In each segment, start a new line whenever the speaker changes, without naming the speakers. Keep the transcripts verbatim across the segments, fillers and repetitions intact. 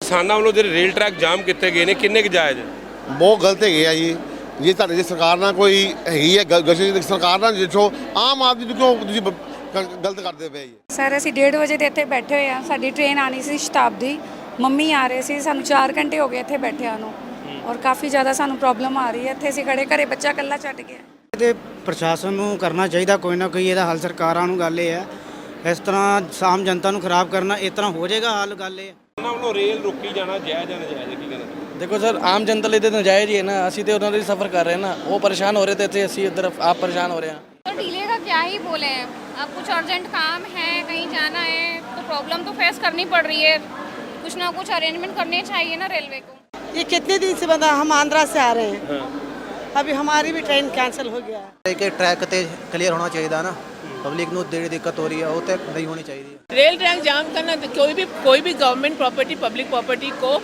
ਕਿਸਾਨਾਂ ਵੱਲੋਂ ਜਿਹੜੇ ਰੇਲ ਟਰੈਕ ਜਾਮ ਕੀਤੇ ਗਏ ਨੇ ਕਿੰਨੇ ਕੁ ਜਾਇਜ਼?
ਬਹੁਤ ਗਲਤ ਹੈਗੇ ਆ ਜੀ। ਜੇ ਤੁਹਾਡੇ ਜੇ ਸਰਕਾਰ ਨਾਲ ਕੋਈ ਹੈਗੀ ਹੈ ਗਸ਼ਤ ਸਰਕਾਰ ਨਾਲ ਜਿੱਥੋਂ ਆਮ ਆਦਮੀ ਨੂੰ ਕਿਉਂ ਤੁਸੀਂ ਬ- ਗ- ਗਲਤ ਕਰਦੇ ਪਏ ਜੀ।
ਸਰ ਅਸੀਂ ਡੇਢ ਵਜੇ ਦੇ ਇੱਥੇ ਬੈਠੇ ਹੋਏ ਆ। ਸਾਡੀ ਟ੍ਰੇਨ ਆਣੀ ਸੀ ਸ਼ਤਾਬਦੀ, ਮੰਮੀ ਆ ਰਹੇ ਸੀ, ਸਾਨੂੰ ਚਾਰ ਘੰਟੇ ਹੋ ਗਏ ਇੱਥੇ ਬੈਠਿਆਂ ਨੂੰ ਔਰ ਕਾਫੀ ਜ਼ਿਆਦਾ ਸਾਨੂੰ ਪ੍ਰੋਬਲਮ ਆ ਰਹੀ ਹੈ। ਇੱਥੇ ਅਸੀਂ ਖੜੇ ਘਰੇ ਬੱਚਾ ਇਕੱਲਾ ਛੱਡ ਗਿਆ।
ਤੇ ਪ੍ਰਸ਼ਾਸਨ ਨੂੰ ਕਰਨਾ ਚਾਹੀਦਾ ਕੋਈ ਨਾ ਕੋਈ ਇਹਦਾ ਹੱਲ। ਸਰਕਾਰਾਂ ਨੂੰ ਗੱਲ ਇਹ ਹੈ, ਇਸ ਤਰ੍ਹਾਂ ਆਮ ਜਨਤਾ ਨੂੰ ਖਰਾਬ ਕਰਨਾ ਇਸ ਤਰ੍ਹਾਂ ਹੋ ਜਾਏਗਾ ਹੱਲ? ਗੱਲ ਇਹ ਹੈ।
ਉਹਨਾਂ ਵੱਲੋਂ ਰੇਲ ਰੋਕੀ ਜਾਣਾ ਜਾਇਜ਼ ਜਾਂ ਨਜਾਇਜ਼ ਕੀ ਕਹਿਣਾ?
देखो सर, आम जनता लिए तो नजायज़ ही है ना। असी तो उन्होंने सफ़र कर रहे हैं ना, वो परेशान हो रहे थे थे असी उधर आप परेशान हो रहे हैं।
तो डीले का क्या ही बोले हैं, अब कुछ अर्जेंट काम है, कहीं जाना है तो प्रॉब्लम तो फेस करनी पड़ रही है। कुछ ना कुछ अरेंजमेंट करने चाहिए ना रेलवे को।
ये कितने दिन से बंदा हम आंध्रा से आ रहे हैं, अभी हमारी भी ट्रेन कैंसिल हो गया है।
कि ट्रैक ते क्लियर होना चाहिए ना, पब्लिक को देरी दिक्कत हो रही है वो तो नहीं होनी चाहिए।
रेल ट्रैक जाम करना कोई भी कोई भी गवर्नमेंट प्रॉपर्टी पब्लिक प्रॉपर्टी को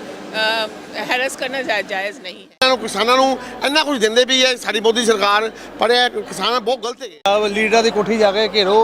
हैरेस करना जायज़ नहीं है।
ਇਹਨਾਂ ਨੂੰ ਕਿਸਾਨਾਂ ਨੂੰ ਇੰਨਾ ਕੁਝ ਦਿੰਦੇ ਵੀ ਹੈ ਸਾਡੀ ਮੋਦੀ ਸਰਕਾਰ, ਪਰ ਇਹ ਕਿਸਾਨ ਬਹੁਤ ਗਲਤ ਹੈਗੇ।
ਲੀਡਰਾਂ ਦੀ ਕੋਠੀ ਜਾ ਕੇ ਘੇਰੋ,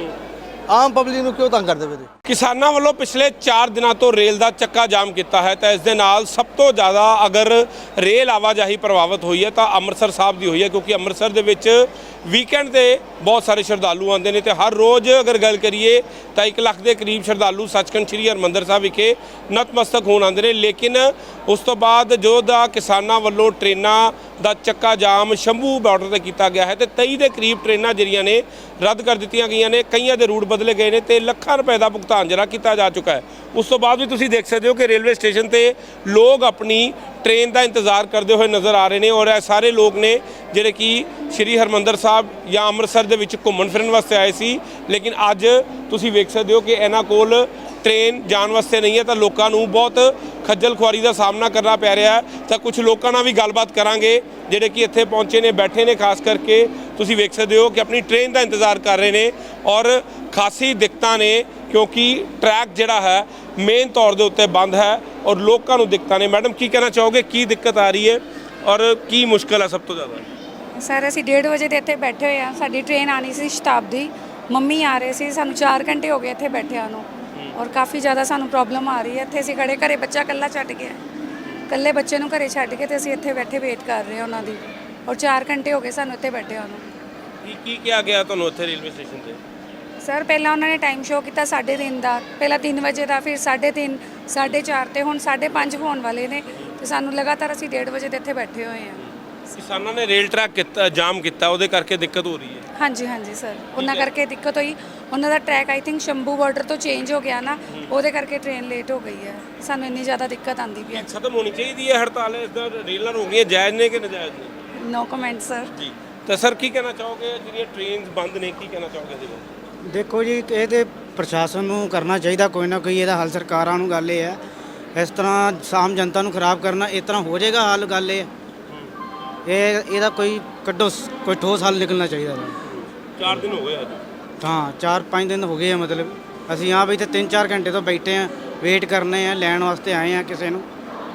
ਆਮ ਪਬਲਿਕ ਨੂੰ ਕਿਉਂ ਤੰਗ ਕਰਦੇ ਪਏ?
ਕਿਸਾਨਾਂ ਵੱਲੋਂ ਪਿਛਲੇ ਚਾਰ ਦਿਨਾਂ ਤੋਂ ਰੇਲ ਦਾ ਚੱਕਾ ਜਾਮ ਕੀਤਾ ਹੈ ਤਾਂ ਇਸ ਦੇ ਨਾਲ ਸਭ ਤੋਂ ਜ਼ਿਆਦਾ ਅਗਰ ਰੇਲ ਆਵਾਜਾਈ ਪ੍ਰਭਾਵਿਤ ਹੋਈ ਹੈ ਤਾਂ ਅੰਮ੍ਰਿਤਸਰ ਸਾਹਿਬ ਦੀ ਹੋਈ ਹੈ, ਕਿਉਂਕਿ ਅੰਮ੍ਰਿਤਸਰ ਦੇ ਵਿੱਚ ਵੀਕਐਂਡ ਤੇ ਬਹੁਤ ਸਾਰੇ ਸ਼ਰਧਾਲੂ ਆਉਂਦੇ ਨੇ ਤੇ ਹਰ ਰੋਜ਼ ਅਗਰ ਗੱਲ ਕਰੀਏ ਤਾਂ ਇੱਕ ਲੱਖ ਦੇ ਕਰੀਬ ਸ਼ਰਧਾਲੂ ਸੱਚਖੰਡ ਸ੍ਰੀ ਹਰਿਮੰਦਰ ਸਾਹਿਬ ਵਿਖੇ ਨਤਮਸਤਕ ਹੋਣ ਆਉਂਦੇ ਨੇ। ਲੇਕਿਨ ਉਸ ਤੋਂ ਬਾਅਦ ਜੋ ਦਾ ਕਿਸਾਨਾਂ ਵੱਲੋਂ ਟ੍ਰੇਨਾਂ ਦਾ ਚੱਕਾ ਜਾਮ ਸ਼ੰਭੂ ਬਾਰਡਰ ਤੇ ਕੀਤਾ ਗਿਆ ਹੈ ਤੇ ਤੇਈ ਦੇ ਕਰੀਬ ਟ੍ਰੇਨਾਂ ਜਿਹੜੀਆਂ ਨੇ ਰੱਦ ਕਰ ਦਿੱਤੀਆਂ ਗਈਆਂ ਨੇ, ਕਈਆਂ ਦੇ ਰੂਟ ਬਦਲੇ ਗਏ ਨੇ ਤੇ ਲੱਖਾਂ ਰੁਪਏ ਦਾ ਭੁਗਤਾਨ ਜਿਹੜਾ ਕੀਤਾ ਜਾ ਚੁੱਕਾ ਹੈ। ਉਸ ਤੋਂ ਬਾਅਦ ਵੀ ਤੁਸੀਂ ਦੇਖ ਸਕਦੇ ਹੋ ਕਿ ਰੇਲਵੇ ਸਟੇਸ਼ਨ ਤੇ ਲੋਕ ਆਪਣੀ ਟ੍ਰੇਨ ਦਾ ਇੰਤਜ਼ਾਰ ਕਰਦੇ ਹੋਏ ਨਜ਼ਰ ਆ ਰਹੇ ਨੇ ਔਰ ਇਹ ਸਾਰੇ ਲੋਕ ਨੇ ਜਿਹੜੇ ਕਿ ਸ਼੍ਰੀ ਹਰਿਮੰਦਰ ਸਾਹਿਬ ਜਾਂ ਅੰਮ੍ਰਿਤਸਰ ਦੇ ਵਿੱਚ ਘੁੰਮਣ ਫਿਰਨ ਵਾਸਤੇ ਆਏ ਸੀ, ਲੇਕਿਨ ਅੱਜ ਤੁਸੀਂ ਵੇਖ ਸਕਦੇ ਹੋ ਕਿ ਇਹਨਾਂ ਕੋਲ ਟ੍ਰੇਨ ਜਾਣ ਵਾਸਤੇ ਨਹੀਂ ਹੈ ਤਾਂ ਲੋਕਾਂ ਨੂੰ ਬਹੁਤ ਖੱਜਲ ਖੁਆਰੀ ਦਾ ਸਾਹਮਣਾ ਕਰਨਾ ਪੈ ਰਿਹਾ ਹੈ। ਤਾਂ ਕੁਝ ਲੋਕਾਂ ਨਾਲ ਵੀ ਗੱਲਬਾਤ ਕਰਾਂਗੇ ਜਿਹੜੇ ਕਿ ਇੱਥੇ ਪਹੁੰਚੇ ਨੇ, ਬੈਠੇ ਨੇ, ਖਾਸ ਕਰਕੇ ਤੁਸੀਂ ਵੇਖ ਸਕਦੇ ਹੋ ਕਿ ਆਪਣੀ ਟ੍ਰੇਨ ਦਾ ਇੰਤਜ਼ਾਰ ਕਰ ਰਹੇ ਨੇ ਔਰ ਖਾਸੀ ਦਿੱਕਤਾਂ ਨੇ ਕਿਉਂਕਿ ਟਰੈਕ ਜਿਹੜਾ ਹੈ ਮੇਨ ਤੌਰ ਦੇ ਉੱਤੇ ਬੰਦ ਹੈ ਔਰ ਲੋਕਾਂ ਨੂੰ ਦਿੱਕਤਾਂ ਨੇ। ਮੈਡਮ ਕੀ ਕਹਿਣਾ ਚਾਹੋਗੇ, ਕੀ ਦਿੱਕਤ ਆ ਰਹੀ ਹੈ ਔਰ ਕੀ ਮੁਸ਼ਕਲ ਹੈ ਸਭ ਤੋਂ ਜ਼ਿਆਦਾ?
ਸਰ ਅਸੀਂ ਡੇਢ ਵਜੇ ਦੇ ਇੱਥੇ ਬੈਠੇ ਹੋਏ ਆ। ਸਾਡੀ ਟ੍ਰੇਨ ਆਣੀ ਸੀ ਸ਼ਤਾਬਦੀ, ਮੰਮੀ ਆ ਰਹੇ ਸੀ, ਸਾਨੂੰ ਚਾਰ ਘੰਟੇ ਹੋ ਗਏ ਇੱਥੇ ਬੈਠਿਆਂ ਨੂੰ ਔਰ ਕਾਫੀ ਜ਼ਿਆਦਾ ਸਾਨੂੰ ਪ੍ਰੋਬਲਮ ਆ ਰਹੀ ਹੈ। ਇੱਥੇ ਅਸੀਂ ਖੜੇ ਘਰੇ ਬੱਚਾ ਇਕੱਲਾ ਛੱਡ ਗਿਆ, ਇਕੱਲੇ ਬੱਚੇ ਨੂੰ ਘਰੇ ਛੱਡ ਕੇ ਤੇ ਅਸੀਂ ਇੱਥੇ ਬੈਠੇ ਵੇਟ ਕਰ ਰਹੇ ਹਾਂ ਉਹਨਾਂ ਦੀ ਔਰ ਚਾਰ ਘੰਟੇ ਹੋ ਗਏ ਸਾਨੂੰ ਇੱਥੇ ਬੈਠਿਆਂ ਨੂੰ।
ਕੀ ਕੀ ਕਿਹਾ ਗਿਆ ਤੁਹਾਨੂੰ ਇੱਥੇ ਰੇਲਵੇ ਸਟੇਸ਼ਨ ਤੇ?
ਸਰ ਪਹਿਲਾਂ ਉਹਨਾਂ ਨੇ ਟਾਈਮ ਸ਼ੋਅ ਕੀਤਾ ਸਾਢੇ ਤਿੰਨ ਦਾ, ਪਹਿਲਾਂ ਤਿੰਨ ਵਜੇ ਦਾ, ਫਿਰ ਸਾਢੇ ਤਿੰਨ, ਸਾਢੇ ਚਾਰ ਤੇ ਹੁਣ ਸਾਢੇ ਪੰਜ ਹੋਣ ਵਾਲੇ ਨੇ ਤੇ ਸਾਨੂੰ ਲਗਾਤਾਰ ਅਸੀਂ ਡੇਢ ਵਜੇ ਦੇ ਇੱਥੇ ਬੈਠੇ ਹੋਏ ਹਾਂ।
ਕਿਸਾਨਾਂ ਨੇ ਰੇਲ ਟਰੈਕ ਕੀਤਾ ਜਾਮ ਕੀਤਾ, ਉਹਦੇ ਕਰਕੇ ਦਿੱਕਤ ਹੋ ਰਹੀ ਹੈ?
ਹਾਂਜੀ ਹਾਂਜੀ ਸਰ, ਉਹਨਾਂ ਕਰਕੇ ਦਿੱਕਤ ਹੋਈ। ਉਹਨਾਂ ਦਾ track I think Shambhu border ਤੋਂ ਚੇਂਜ ਹੋ ਗਿਆ ਨਾ, ਉਹਦੇ ਕਰਕੇ ਟ੍ਰੇਨ ਲੇਟ ਹੋ ਗਈ ਹੈ। ਸਾਨੂੰ ਇੰਨੀ ਜ਼ਿਆਦਾ ਦਿੱਕਤ ਆਉਂਦੀ ਪਈ ਹੈ।
ਖਤਮ ਹੋਣੀ ਚਾਹੀਦੀ ਹੈ ਹੜਤਾਲ, ਇਸ ਦਾ ਰੇਲਾਂ ਰੋਕਣੀਆਂ ਜਾਇਜ਼ ਨੇ ਕਿ ਨਜਾਇਜ਼ ਨੇ?
No comment sir.
ਜੀ ਤਾਂ ਸਰ ਕੀ ਕਹਿਣਾ ਚਾਹੋਗੇ, ਜਿਹੜੀਆਂ ਟ੍ਰੇਨਸ ਬੰਦ ਨੇ ਕੀ ਕਹਿਣਾ ਚਾਹੋਗੇ ਇਹਦੇ ਬਾਰੇ?
ਦੇਖੋ ਜੀ, ਇਹ ਤੇ ਪ੍ਰਸ਼ਾਸਨ ਨੂੰ ਕਰਨਾ ਚਾਹੀਦਾ ਕੋਈ ਨਾ ਕੋਈ ਇਹਦਾ ਹੱਲ। ਸਰਕਾਰਾਂ ਨੂੰ ਗੱਲ ਇਹ ਹੈ, ਇਸ ਤਰ੍ਹਾਂ ਆਮ ਜਨਤਾ ਨੂੰ ਖਰਾਬ ਕਰਨਾ ਇਸ ਤਰ੍ਹਾਂ ਹੋ ਜਾਏਗਾ ਹੱਲ? ਗੱਲ ਇਹ ਹੈ, ਇਹ ਇਹਦਾ ਕੋਈ ਕੱਢੋ, ਕੋਈ ਠੋਸ ਹੱਲ ਨਿਕਲਣਾ ਚਾਹੀਦਾ।
ਚਾਰ ਦਿਨ ਹੋ ਗਏ ਅੱਜ।
ਹਾਂ, ਚਾਰ ਪੰਜ ਦਿਨ ਹੋ ਗਏ ਆ, ਮਤਲਬ ਅਸੀਂ ਆ ਵੀ ਇੱਥੇ ਤਿੰਨ ਚਾਰ ਘੰਟੇ ਤੋਂ ਬੈਠੇ ਆ, ਵੇਟ ਕਰਨੇ ਆ, ਲੈਣ ਵਾਸਤੇ ਆਏ ਆ ਕਿਸੇ ਨੂੰ।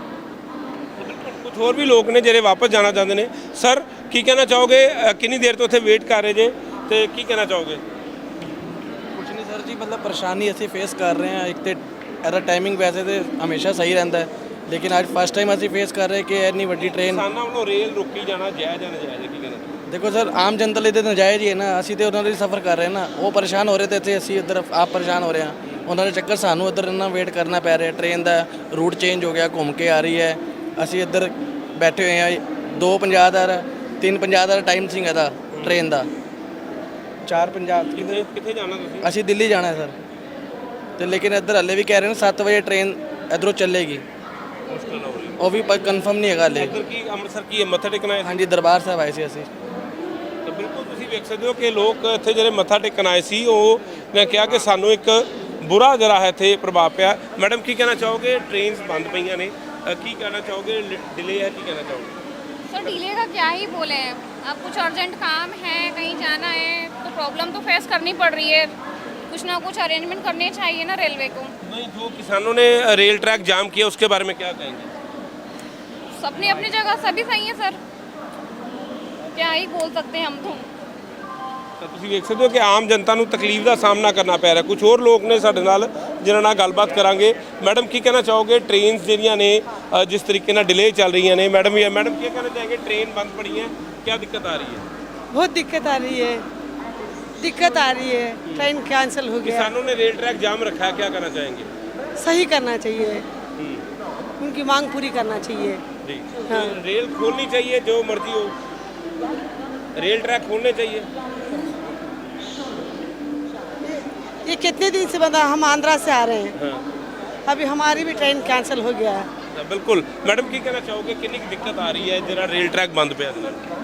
ਕੁਝ ਹੋਰ ਵੀ ਲੋਕ ਨੇ ਜਿਹੜੇ ਵਾਪਸ ਜਾਣਾ ਚਾਹੁੰਦੇ ਨੇ। ਸਰ ਕੀ ਕਹਿਣਾ ਚਾਹੋਗੇ, ਕਿੰਨੀ ਦੇਰ ਤੋਂ ਇੱਥੇ ਵੇਟ ਕਰ ਰਹੇ ਜੇ ਤੇ ਕੀ ਕਹਿਣਾ ਚਾਹੋਗੇ?
कुछ नहीं सर जी, मतलब परेशानी असी फेस कर रहे हैं। एक तो ਇਹਦਾ ਟਾਈਮਿੰਗ ਵੈਸੇ ਤੇ ਹਮੇਸ਼ਾ ਸਹੀ ਰਹਿੰਦਾ ਹੈ, ਲੇਕਿਨ ਅੱਜ ਫਸਟ ਟਾਈਮ ਅਸੀਂ ਫੇਸ ਕਰ ਰਹੇ ਕਿ ਇੰਨੀ ਵੱਡੀ ਟ੍ਰੇਨ
ਕਿਸਾਨਾਂ ਵੱਲੋਂ ਰੇਲ ਰੋਕੀ ਜਾਣਾ ਜਾਇਜ਼ ਜਾਂ ਨਜਾਇਜ਼ ਕੀ ਕਹਿਣਾ?
ਦੇਖੋ ਸਰ, ਆਮ ਜਨਤਾ ਲਈ ਤਾਂ ਨਜਾਇਜ਼ ਹੀ ਹੈ ਨਾ। ਅਸੀਂ ਤੇ ਉਹਨਾਂ ਲਈ ਸਫ਼ਰ ਕਰ ਰਹੇ ਨਾ, ਉਹ ਪਰੇਸ਼ਾਨ ਹੋ ਰਹੇ ਤੇ ਇੱਥੇ ਅਸੀਂ ਇੱਧਰ ਆਪ ਪਰੇਸ਼ਾਨ ਹੋ ਰਹੇ ਹਾਂ। ਉਹਨਾਂ ਦੇ ਚੱਕਰ ਸਾਨੂੰ ਇੱਧਰ ਇੰਨਾ ਵੇਟ ਕਰਨਾ ਪੈ ਰਿਹਾ। ਟ੍ਰੇਨ ਦਾ ਰੂਟ ਚੇਂਜ ਹੋ ਗਿਆ, ਘੁੰਮ ਕੇ ਆ ਰਹੀ ਹੈ। ਅਸੀਂ ਇੱਧਰ ਬੈਠੇ ਹੋਏ ਹਾਂ। ਦੋ ਪੰਜਾਹ ਦਾ ਤਿੰਨ ਪੰਜਾਹ ਦਾ ਟਾਈਮ ਸੀ ਇਹਦਾ ਟ੍ਰੇਨ ਦਾ। ਚਾਰ ਪੰਜਾਹ
ਕਿੱਥੇ ਕਿੱਥੇ ਜਾਣਾ ਤੁਸੀਂ?
ਅਸੀਂ ਦਿੱਲੀ ਜਾਣਾ ਹੈ ਸਰ, ਤੇ ਲੇਕਿਨ ਇੱਧਰ ਹਲੇ ਵੀ ਕਹਿ ਰਹੇ ਨੇ ਸੱਤ ਵਜੇ ਟ੍ਰੇਨ ਇੱਧਰੋਂ ਚੱਲੇਗੀ।
ਮੁਸ਼ਕਲ ਹੋ ਰਹੀ
ਉਹ ਵੀ ਪਰ ਕਨਫਰਮ ਨਹੀਂ ਹੈਗਾ ਹਲੇ।
ਇੱਧਰ ਕੀ ਅੰਮ੍ਰਿਤਸਰ ਕੀ ਹੈ, ਮੱਥਾ ਟੇਕਣਾ ਹੈ?
ਹਾਂਜੀ, ਦਰਬਾਰ ਸਾਹਿਬ ਆਏ ਸੀ ਅਸੀਂ।
ਤਾਂ ਬਿਲਕੁਲ ਤੁਸੀਂ ਵੇਖ ਸਕਦੇ ਹੋ ਕਿ ਲੋਕ ਇੱਥੇ ਜਿਹੜੇ ਮੱਥਾ ਟੇਕਣ ਆਏ ਸੀ ਉਹ ਨੇ ਕਿਹਾ ਕਿ ਸਾਨੂੰ ਇੱਕ ਬੁਰਾ ਜਿਹੜਾ ਹੈ ਇੱਥੇ ਪ੍ਰਭਾਵ ਪਿਆ। ਮੈਡਮ ਕੀ ਕਹਿਣਾ ਚਾਹੋਗੇ, ਟ੍ਰੇਨਸ ਬੰਦ ਪਈਆਂ ਨੇ, ਕੀ ਕਹਿਣਾ ਚਾਹੋਗੇ, ਡਿਲੇ ਹੈ, ਕੀ ਕਹਿਣਾ ਚਾਹੋਗੇ?
सर डीले का क्या ही बोले हैं, अब कुछ अर्जेंट काम है, कहीं जाना है तो प्रॉब्लम तो फेस करनी पड़ रही है। कुछ ना कुछ अरेंजमेंट करने चाहिए ना रेलवे को।
नहीं, जो किसानों ने रेल ट्रैक जाम किया उसके बारे में क्या कहेंगे?
अपनी अपनी जगह सभी सही है सर, क्या ही बोल सकते हैं हम तो।
ਤਾਂ ਤੁਸੀਂ ਵੇਖ ਸਕਦੇ ਹੋ ਕਿ ਆਮ ਜਨਤਾ ਨੂੰ ਤਕਲੀਫ ਦਾ ਸਾਹਮਣਾ ਕਰਨਾ ਪੈ ਰਿਹਾ। ਕੁਝ ਹੋਰ ਲੋਕ ਨੇ ਸਾਡੇ ਨਾਲ ਜਿਨ੍ਹਾਂ ਨਾਲ ਗੱਲਬਾਤ ਕਰਾਂਗੇ। ਮੈਡਮ ਕੀ ਕਹਿਣਾ ਚਾਹੋਗੇ, ਟ੍ਰੇਨਸ ਜਿਹੜੀਆਂ ਨੇ ਅ, ਜਿਸ ਤਰੀਕੇ ਨਾਲ ਡਿਲੇ ਚੱਲ ਰਹੀਆਂ ਨੇ, ਮੈਡਮ ਵੀ ਮੈਡਮ ਕੀ ਕਹਿਣਾ ਚਾहेंगे, ट्रेन बंद पड़ी है, क्या दिक्कत आ रही है?
बहुत दिक्कत आ रही है, दिक्कत आ रही है, ट्रेन कैंसिल हो गया।
किसानों ने रेल ट्रैक जाम रखा है, क्या करना चाहेंगे?
सही करना चाहिए, उनकी मांग पूरी करना चाहिए।
जी, तो रेल खोलनी चाहिए, जो मर्जी हो, रेल ट्रैक खोलने चाहिए।
ये कितने दिन से बंदा, हम आंध्रा से आ रहे हैं, अभी हमारी भी ट्रेन कैंसिल हो गया है।
बिल्कुल मैडम की कहना चाहोगे, कितनी दिक्कत आ रही है जरा रेल ट्रैक बंद पे?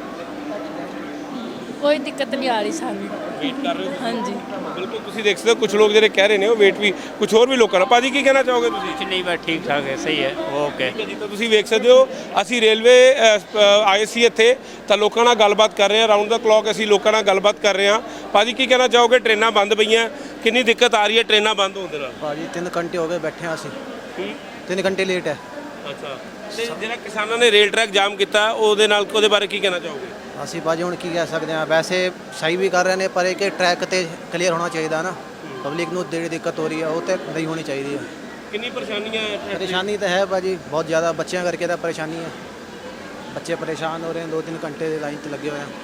ਕੋਈ ਦਿੱਕਤ ਨਹੀਂ ਆ ਰਹੀ ਸਾਨੂੰ।
ਵੇਟ ਕਰ ਰਹੇ ਹੋ?
ਹਾਂਜੀ
ਬਿਲਕੁਲ ਤੁਸੀਂ ਦੇਖ ਸਕਦੇ ਹੋ ਕੁਝ ਲੋਕ ਜਿਹੜੇ ਕਹਿ ਰਹੇ ਨੇ ਉਹ ਵੇਟ ਵੀ ਕੁਝ ਹੋਰ ਵੀ ਲੋਕ ਕਰ। ਭਾਜੀ ਕੀ ਕਹਿਣਾ ਚਾਹੋਗੇ ਤੁਸੀਂ?
ਨਹੀਂ ਬਸ ਠੀਕ ਠਾਕ ਹੈ, ਸਹੀ ਹੈ, ਓਕੇ।
ਜੀ ਤਾਂ ਤੁਸੀਂ ਵੇਖ ਸਕਦੇ ਹੋ ਅਸੀਂ ਰੇਲਵੇ ਆਏ ਸੀ ਇੱਥੇ ਤਾਂ ਲੋਕਾਂ ਨਾਲ ਗੱਲਬਾਤ ਕਰ ਰਹੇ ਹਾਂ, ਰਾਉਂਡ ਦਾ ਕਲੌਕ ਅਸੀਂ ਲੋਕਾਂ ਨਾਲ ਗੱਲਬਾਤ ਕਰ ਰਹੇ ਹਾਂ। ਭਾਜੀ ਕੀ ਕਹਿਣਾ ਚਾਹੋਗੇ, ਟ੍ਰੇਨਾਂ ਬੰਦ ਪਈਆਂ, ਕਿੰਨੀ ਦਿੱਕਤ ਆ ਰਹੀ ਹੈ ਟ੍ਰੇਨਾਂ ਬੰਦ ਹੋਣ ਦੇ ਨਾਲ?
ਭਾਜੀ ਤਿੰਨ ਘੰਟੇ ਹੋ ਗਏ ਬੈਠੇ ਹਾਂ ਅਸੀਂ, ਤਿੰਨ ਘੰਟੇ ਲੇਟ ਹੈ।
ਅੱਛਾ, ਤੇ ਜਿਹੜਾ ਕਿਸਾਨਾਂ ਨੇ ਰੇਲ ਟਰੈਕ ਜਾਮ ਕੀਤਾ ਉਹਦੇ ਨਾਲ ਉਹਦੇ ਬਾਰੇ ਕੀ ਕਹਿਣਾ ਚਾਹੋਗੇ?
ਅਸੀਂ ਭਾਜੀ ਹੁਣ ਕੀ ਕਹਿ ਸਕਦੇ ਹਾਂ, ਵੈਸੇ ਸਹੀ ਵੀ ਕਰ ਰਹੇ ਨੇ ਪਰ ਇਹ ਕਿ ਟਰੈਕ ਤੇ ਕਲੀਅਰ ਹੋਣਾ ਚਾਹੀਦਾ ਨਾ, ਪਬਲਿਕ ਨੂੰ ਜਿਹੜੀ ਦਿੱਕਤ ਹੋ ਰਹੀ ਹੈ ਉਹ ਤੇ ਨਹੀਂ ਹੋਣੀ ਚਾਹੀਦੀ ਹੈ।
ਕਿੰਨੀ ਪਰੇਸ਼ਾਨੀਆਂ ਹੈ?
ਪਰੇਸ਼ਾਨੀ ਤਾਂ ਹੈ ਭਾਜੀ ਬਹੁਤ ਜ਼ਿਆਦਾ, ਬੱਚਿਆਂ ਕਰਕੇ ਤਾਂ ਪਰੇਸ਼ਾਨੀ ਹੈ, ਬੱਚੇ ਪਰੇਸ਼ਾਨ ਹੋ ਰਹੇ ਨੇ, ਦੋ ਤਿੰਨ ਘੰਟੇ ਦੇ ਲਾਈਨ 'ਤੇ ਲੱਗੇ ਹੋਏ ਹਨ।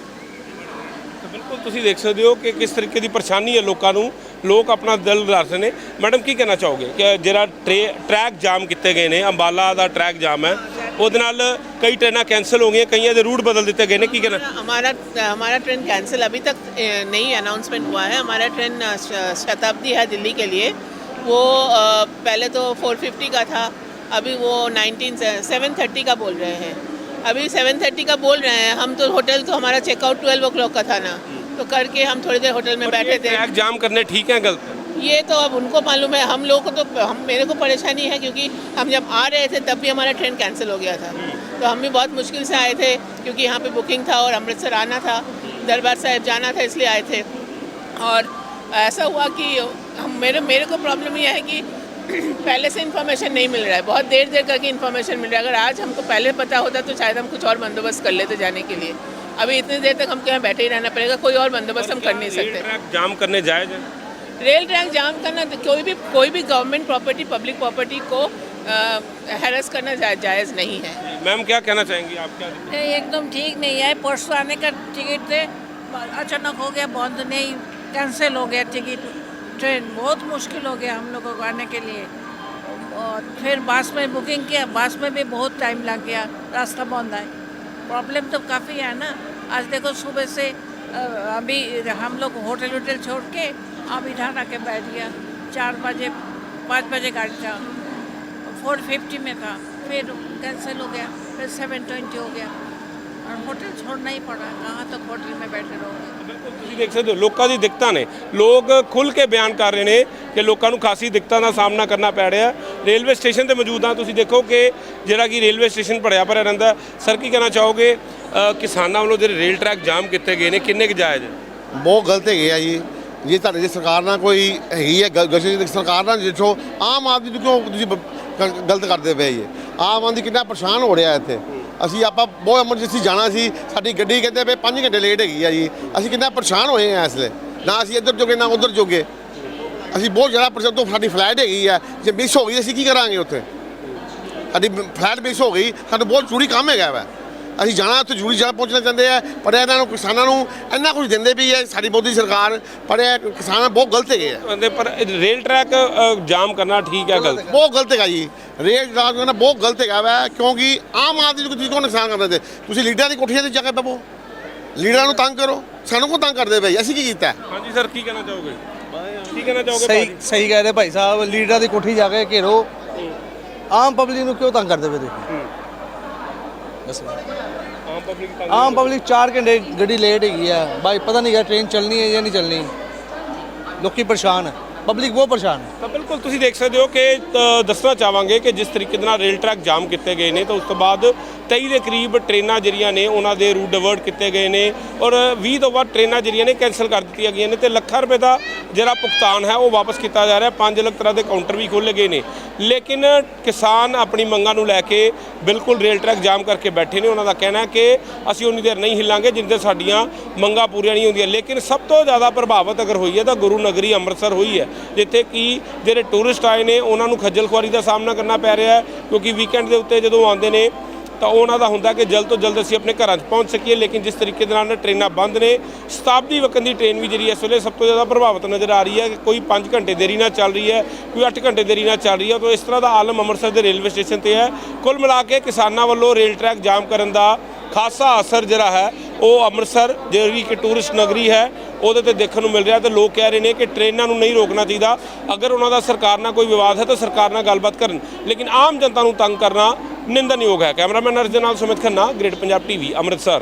ਤਾਂ ਬਿਲਕੁਲ ਤੁਸੀਂ ਦੇਖ ਸਕਦੇ ਹੋ ਕਿ ਕਿਸ ਤਰੀਕੇ ਦੀ ਪਰੇਸ਼ਾਨੀ ਹੈ ਲੋਕਾਂ ਨੂੰ, ਲੋਕ ਆਪਣਾ ਦਿਲ ਦੱਸ ਰਹੇ ਨੇ। ਮੈਡਮ ਕੀ ਕਹਿਣਾ ਚਾਹੋਗੇ ਕਿ ਜਿਹੜਾ ਟ੍ਰੇ ਟਰੈਕ ਜਾਮ ਕੀਤੇ ਗਏ ਨੇ, ਅੰਬਾਲਾ ਦਾ ਟਰੈਕ ਜਾਮ ਹੈ, ਉਹਦੇ ਨਾਲ ਕਈ ਟ੍ਰੇਨਾਂ ਕੈਂਸਲ ਹੋ ਗਈਆਂ, ਕਈਆਂ ਦੇ रूट बदल दिए गए ने, की कहना?
हमारा हमारा ट्रेन कैंसिल अभी तक अ, नहीं अनाउंसमेंट हुआ है। हमारा ट्रेन अ, श- शताब्दी है दिल्ली के लिए, वो अ, पहले तो फोर फिफ्टी का था, अभी वो नाइनटीन सेवन थर्टी का बोल रहे हैं। अभी सेवन थर्टी का बोल रहे हैं, हम तो होटल तो हमारा चेकआउट ट्वेल्व ओ क्लॉक का था ना, तो करके हम थोड़ी देर होटल में बैठे थे।
ट्रैक जाम करने ठीक है गलत है?
ये तो अब उनको मालूम है, हम लोगों को तो हम मेरे को परेशानी है क्योंकि हम जब आ रहे थे तब भी हमारा ट्रेन कैंसिल हो गया था, तो हम भी बहुत मुश्किल से आए थे क्योंकि यहाँ पे बुकिंग था और अमृतसर आना था, दरबार साहिब जाना था, इसलिए आए थे। और ऐसा हुआ कि हम मेरे मेरे को प्रॉब्लम ये है कि पहले से इन्फॉर्मेशन नहीं मिल रहा है, बहुत देर देर करके इन्फॉर्मेशन मिल रहा है। अगर आज हमको पहले पता होता तो शायद हम कुछ और बंदोबस्त कर लेते जाने के लिए। अभी इतनी देर तक हमको यहाँ बैठे ही रहना पड़ेगा, कोई और बंदोबस्त हम कर नहीं सकते।
ट्रैक जाम करने जायज है?
रेल ट्रैक जाम करना तो कोई भी कोई भी गवर्नमेंट प्रॉपर्टी, पब्लिक प्रॉपर्टी को हैरेस करना जा, जायज़ नहीं है।
मैम क्या कहना चाहेंगी आप? क्या
नहीं, एकदम ठीक नहीं है। परसों आने का टिकट थे, अचानक हो गया बंद, नहीं कैंसिल हो गया टिकट, ट्रेन बहुत मुश्किल हो गया हम लोगों को आने के लिए। और फिर बस में बुकिंग किया, बस में भी बहुत टाइम लग गया, रास्ता बंद है। प्रॉब्लम तो काफ़ी है ना। आज देखो सुबह से अ, अभी हम लोग होटल वोटल छोड़ के अब इधर आके बैठ गया, चार बजे पाँच बजे गाड़ी था, फोर फिफ्टी में था, फिर कैंसिल हो गया, फिर सेवन ट्वेंटी हो गया और होटल छोड़ना ही पड़ा। कहाँ तक होटल में बैठे रहोगे?
ਬਿਲਕੁਲ ਤੁਸੀਂ ਦੇਖ ਸਕਦੇ ਹੋ ਲੋਕਾਂ ਦੀ ਦਿੱਕਤਾਂ ਨੇ, ਲੋਕ ਖੁੱਲ੍ਹ ਕੇ ਬਿਆਨ ਕਰ ਰਹੇ ਨੇ ਕਿ ਲੋਕਾਂ ਨੂੰ ਖਾਸੀ ਦਿੱਕਤਾਂ ਦਾ ਸਾਹਮਣਾ ਕਰਨਾ ਪੈ ਰਿਹਾ। ਰੇਲਵੇ ਸਟੇਸ਼ਨ ਤੇ ਮੌਜੂਦ ਹਾਂ, ਤੁਸੀਂ ਦੇਖੋ ਕਿ ਜਿਹੜਾ ਕਿ ਰੇਲਵੇ ਸਟੇਸ਼ਨ ਭਰਿਆ ਭਰਿਆ ਰਹਿੰਦਾ। ਸਰ ਕੀ ਕਹਿਣਾ ਚਾਹੋਗੇ, ਅ, ਕਿਸਾਨਾਂ ਵੱਲੋਂ ਜਿਹੜੇ ਰੇਲ ਟਰੈਕ ਜਾਮ ਕੀਤੇ ਗਏ ਨੇ ਕਿੰਨੇ ਕੁ ਜਾਇਜ਼ ਹੈ?
ਬਹੁਤ ਗਲਤ ਹੈਗੇ ਆ ਜੀ। ਜੇ ਤੁਹਾਡੇ ਜੇ ਸਰਕਾਰ ਨਾਲ ਕੋਈ ਹੈਗੀ ਹੈ ਗਸ਼ਤ, ਸਰਕਾਰ ਨਾਲ ਦੇਖੋ ਆਮ ਆਦਮੀ ਨੂੰ ਕਿਉਂ ਤੁਸੀਂ ਬ- ਗ- ਗਲਤ ਕਰਦੇ ਪਏ ਜੀ। ਆਮ ਆਦਮੀ ਕਿੰਨਾ ਪਰੇਸ਼ਾਨ ਹੋ ਰਿਹਾ ਇੱਥੇ। ਅਸੀਂ ਆਪਾਂ ਬਹੁਤ ਐਮਰਜੈਂਸੀ ਜਾਣਾ ਸੀ, ਸਾਡੀ ਗੱਡੀ ਕਹਿੰਦੇ ਪਏ ਪੰਜ ਘੰਟੇ ਲੇਟ ਹੈਗੀ ਆ ਜੀ। ਅਸੀਂ ਕਿੰਨਾ ਪਰੇਸ਼ਾਨ ਹੋਏ ਆ ਇਸ ਵੇਲੇ, ਨਾ ਅਸੀਂ ਇੱਧਰ ਜੋਗੇ ਨਾ ਉੱਧਰ ਜੋਗੇ। ਅਸੀਂ ਬਹੁਤ ਜ਼ਿਆਦਾ ਪਰੇਸ਼ਾਨ ਤੋਂ ਸਾਡੀ ਫਲਾਈਟ ਹੈਗੀ ਆ, ਜੇ ਮਿਸ ਹੋ ਗਈ ਅਸੀਂ ਕੀ ਕਰਾਂਗੇ ਉੱਥੇ? ਸਾਡੀ ਫਲਾਈਟ ਮਿਸ ਹੋ ਗਈ, ਸਾਨੂੰ ਬਹੁਤ ਜ਼ਰੂਰੀ ਕੰਮ ਹੈਗਾ ਵਾ, ਅਸੀਂ ਜਾਣਾ ਉੱਥੇ ਜ਼ਰੂਰੀ ਜਗ੍ਹਾ ਪਹੁੰਚਣਾ ਚਾਹੁੰਦੇ ਆ। ਪਰ ਇਹਨਾਂ ਨੂੰ ਕਿਸਾਨਾਂ ਨੂੰ ਇੰਨਾ ਕੁਝ ਦਿੰਦੇ ਵੀ ਹੈ ਸਾਡੀ ਮੋਦੀ ਸਰਕਾਰ, ਪਰ ਇਹ ਕਿਸਾਨ ਬਹੁਤ ਗਲਤ ਹੈਗੇ ਆ।
ਕਹਿੰਦੇ ਪਰ ਰੇਲ ਟਰੈਕ ਅ, ਜਾਮ ਕਰਨਾ ਠੀਕ ਹੈ ਗਲਤ?
ਬਹੁਤ ਗਲਤ ਹੈਗਾ ਜੀ, ਰੇਲ ਜਾਮ ਕਰਨਾ ਬਹੁਤ ਗਲਤ ਹੈਗਾ ਵਾ, ਕਿਉਂਕਿ ਆਮ ਆਦਮੀ ਨੂੰ ਤੁਸੀਂ ਕੋ ਨੁਕਸਾਨ ਕਰਦੇ ਤੇ ਤੁਸੀਂ ਲੀਡਰਾਂ ਦੀ ਕੋਠੀਆਂ ਤੇ ਜਾ ਕੇ ਬਵੋ, ਲੀਡਰਾਂ ਨੂੰ ਤੰਗ ਕਰੋ, ਸਾਨੂੰ ਕੋ ਤੰਗ ਕਰਦੇ ਪਏ, ਅਸੀਂ ਕੀ ਕੀਤਾ?
ਹਾਂਜੀ ਸਰ ਕੀ ਕਹਿਣਾ ਚਾਹੋਗੇ? ਕੀ ਕਹਿਣਾ ਚਾਹੋਗੇ?
ਸਹੀ ਸਹੀ ਕਹਿ ਰਹੇ ਭਾਈ ਸਾਹਿਬ, ਲੀਡਰਾਂ ਦੀ ਕੋਠੀ ਜਾ ਕੇ ਘੇਰੋ, ਆਮ ਪਬਲਿਕ ਨੂੰ ਕਿਉਂ ਤੰਗ ਕਰਦੇ ਪਏ ਤੁਸੀਂ? ਬਸ
ਆਮ ਪਬਲਿਕ ਤੰਗ
ਆਮ ਪਬਲਿਕ ਚਾਰ ਘੰਟੇ ਗੱਡੀ ਲੇਟ ਹੈਗੀ ਆ ਭਾਈ, ਪਤਾ ਨਹੀਂ ਕਿ ਟ੍ਰੇਨ ਚੱਲਣੀ ਹੈ ਜਾਂ ਨਹੀਂ ਚੱਲਣੀ। ਲੋਕੀ ਪਰੇਸ਼ਾਨ ਹੈ,
ਪਬਲਿਕ ਬਹੁਤ ਪਰੇਸ਼ਾਨ ਹੈ।
ਤਾਂ ਬਿਲਕੁਲ ਤੁਸੀਂ ਦੇਖ ਸਕਦੇ ਹੋ ਕਿ ਅ, ਦੱਸਣਾ ਚਾਹਾਂਗੇ ਕਿ ਜਿਸ ਤਰੀਕੇ ਦੇ ਨਾਲ ਰੇਲ ਟਰੈਕ ਜਾਮ ਕੀਤੇ ਗਏ ਨੇ ਤਾਂ ਉਸ ਤੋਂ ਬਾਅਦ ਤੇਈ ਦੇ ਕਰੀਬ ਟ੍ਰੇਨਾਂ ਜਿਹੜੀਆਂ ਨੇ ਉਹਨਾਂ ਦੇ ਰੂਟ ਡਿਵਰਟ ਕੀਤੇ ਗਏ ਨੇ ਔਰ ਵੀਹ ਤੋਂ ਵੱਧ ਟ੍ਰੇਨਾਂ ਜਿਹੜੀਆਂ ਨੇ ਕੈਂਸਲ ਕਰ ਦਿੱਤੀਆਂ ਗਈਆਂ ਨੇ ਤੇ ਲੱਖਾਂ ਰੁਪਏ ਦਾ ਜਿਹੜਾ ਭੁਗਤਾਨ ਹੈ ਉਹ ਵਾਪਸ ਕੀਤਾ ਜਾ ਰਿਹਾ। ਪੰਜ ਲੱਖ ਤਰ੍ਹਾਂ ਦੇ ਕਾਊਂਟਰ ਵੀ ਖੋਲ੍ਹੇ ਗਏ ਨੇ, ਲੇਕਿਨ ਕਿਸਾਨ ਆਪਣੀ ਮੰਗਾਂ ਨੂੰ ਲੈ ਕੇ ਬਿਲਕੁਲ ਰੇਲ ਟਰੈਕ ਜਾਮ ਕਰਕੇ ਬੈਠੇ ਨੇ। ਉਹਨਾਂ ਦਾ ਕਹਿਣਾ ਹੈ ਕਿ ਅਸੀਂ ਉਨੀ ਦੇਰ ਨਹੀਂ ਹਿੱਲਾਂਗੇ ਜਿੰਨੇ ਦੇਰ ਸਾਡੀਆਂ ਮੰਗਾਂ ਪੂਰੀਆਂ ਨਹੀਂ ਹੁੰਦੀਆਂ। ਲੇਕਿਨ ਸਭ ਤੋਂ ਜ਼ਿਆਦਾ ਪ੍ਰਭਾਵਿਤ ਅਗਰ ਹੋਈ ਹੈ ਤਾਂ ਗੁਰੂ ਨਗਰੀ ਅੰਮ੍ਰਿਤਸਰ ਹੋਈ ਹੈ, ਜਿੱਥੇ ਕਿ ਜਿਹੜੇ ਟੂਰਿਸਟ ਆਏ ਨੇ ਉਹਨਾਂ ਨੂੰ ਖੱਜਲ ਖੁਆਰੀ ਦਾ ਸਾਹਮਣਾ ਕਰਨਾ ਪੈ ਰਿਹਾ ਹੈ, ਕਿਉਂਕਿ ਵੀਕਐਂਡ ਦੇ ਉੱਤੇ ਜਦੋਂ ਆਉਂਦੇ ਨੇ ਤਾਂ ਉਹਨਾਂ ਦਾ ਹੁੰਦਾ ਕਿ ਜਲਦ ਤੋਂ ਜਲਦ ਅਸੀਂ ਆਪਣੇ ਘਰਾਂ 'ਚ ਪਹੁੰਚ ਸਕੀਏ। ਲੇਕਿਨ ਜਿਸ ਤਰੀਕੇ ਦੇ ਨਾਲ ਟ੍ਰੇਨਾਂ ਬੰਦ ਨੇ, ਸ਼ਤਾਬਦੀ ਵਕਨ ਦੀ ਟ੍ਰੇਨ ਵੀ ਜਿਹੜੀ ਇਸ ਵੇਲੇ ਸਭ ਤੋਂ ਜ਼ਿਆਦਾ ਪ੍ਰਭਾਵਿਤ ਨਜ਼ਰ ਆ ਰਹੀ ਹੈ। ਕੋਈ ਪੰਜ ਘੰਟੇ ਦੇਰੀ ਨਾਲ ਚੱਲ ਰਹੀ ਹੈ, ਕੋਈ ਅੱਠ ਘੰਟੇ ਦੇਰੀ ਨਾਲ ਚੱਲ ਰਹੀ ਹੈ। ਤਾਂ ਇਸ ਤਰ੍ਹਾਂ ਦਾ ਆਲਮ ਅੰਮ੍ਰਿਤਸਰ ਦੇ ਰੇਲਵੇ ਸਟੇਸ਼ਨ 'ਤੇ ਹੈ। ਕੁੱਲ ਮਿਲਾ ਕੇ ਕਿਸਾਨਾਂ ਵੱਲੋਂ ਰੇਲ ਟਰੈਕ ਜਾਮ ਕਰਨ ਦਾ ਖਾਸਾ ਅਸਰ ਜਿਹੜਾ ਹੈ ਉਹ ਅੰਮ੍ਰਿਤਸਰ ਜਿਹੜੀ ਕਿ ਟੂਰਿਸਟ ਨਗਰੀ ਹੈ ਉਹਦੇ ਤੇ ਦੇਖਣ ਨੂੰ ਮਿਲ ਰਿਹਾ। ਤੇ ਲੋਕ ਕਹਿ ਰਹੇ ਨੇ ਕਿ ਟ੍ਰੇਨਾਂ ਨੂੰ ਨਹੀਂ ਰੋਕਣਾ ਚਾਹੀਦਾ, ਅਗਰ ਉਹਨਾਂ ਦਾ ਸਰਕਾਰ ਨਾਲ ਕੋਈ ਵਿਵਾਦ ਹੈ ਤਾਂ ਸਰਕਾਰ ਨਾਲ ਗੱਲਬਾਤ ਕਰਨ, ਲੇਕਿਨ ਆਮ ਜਨਤਾ ਨੂੰ ਤੰਗ ਕਰਨਾ ਨਿੰਦਣਯੋਗ ਹੈ। ਕੈਮਰਾਮੈਨ ਅਰਜਨ ਨਾਲ ਸੁਮਿਤ ਖੰਨਾ, ਗ੍ਰੇਟ ਪੰਜਾਬ ਟੀਵੀ, ਅੰਮ੍ਰਿਤਸਰ।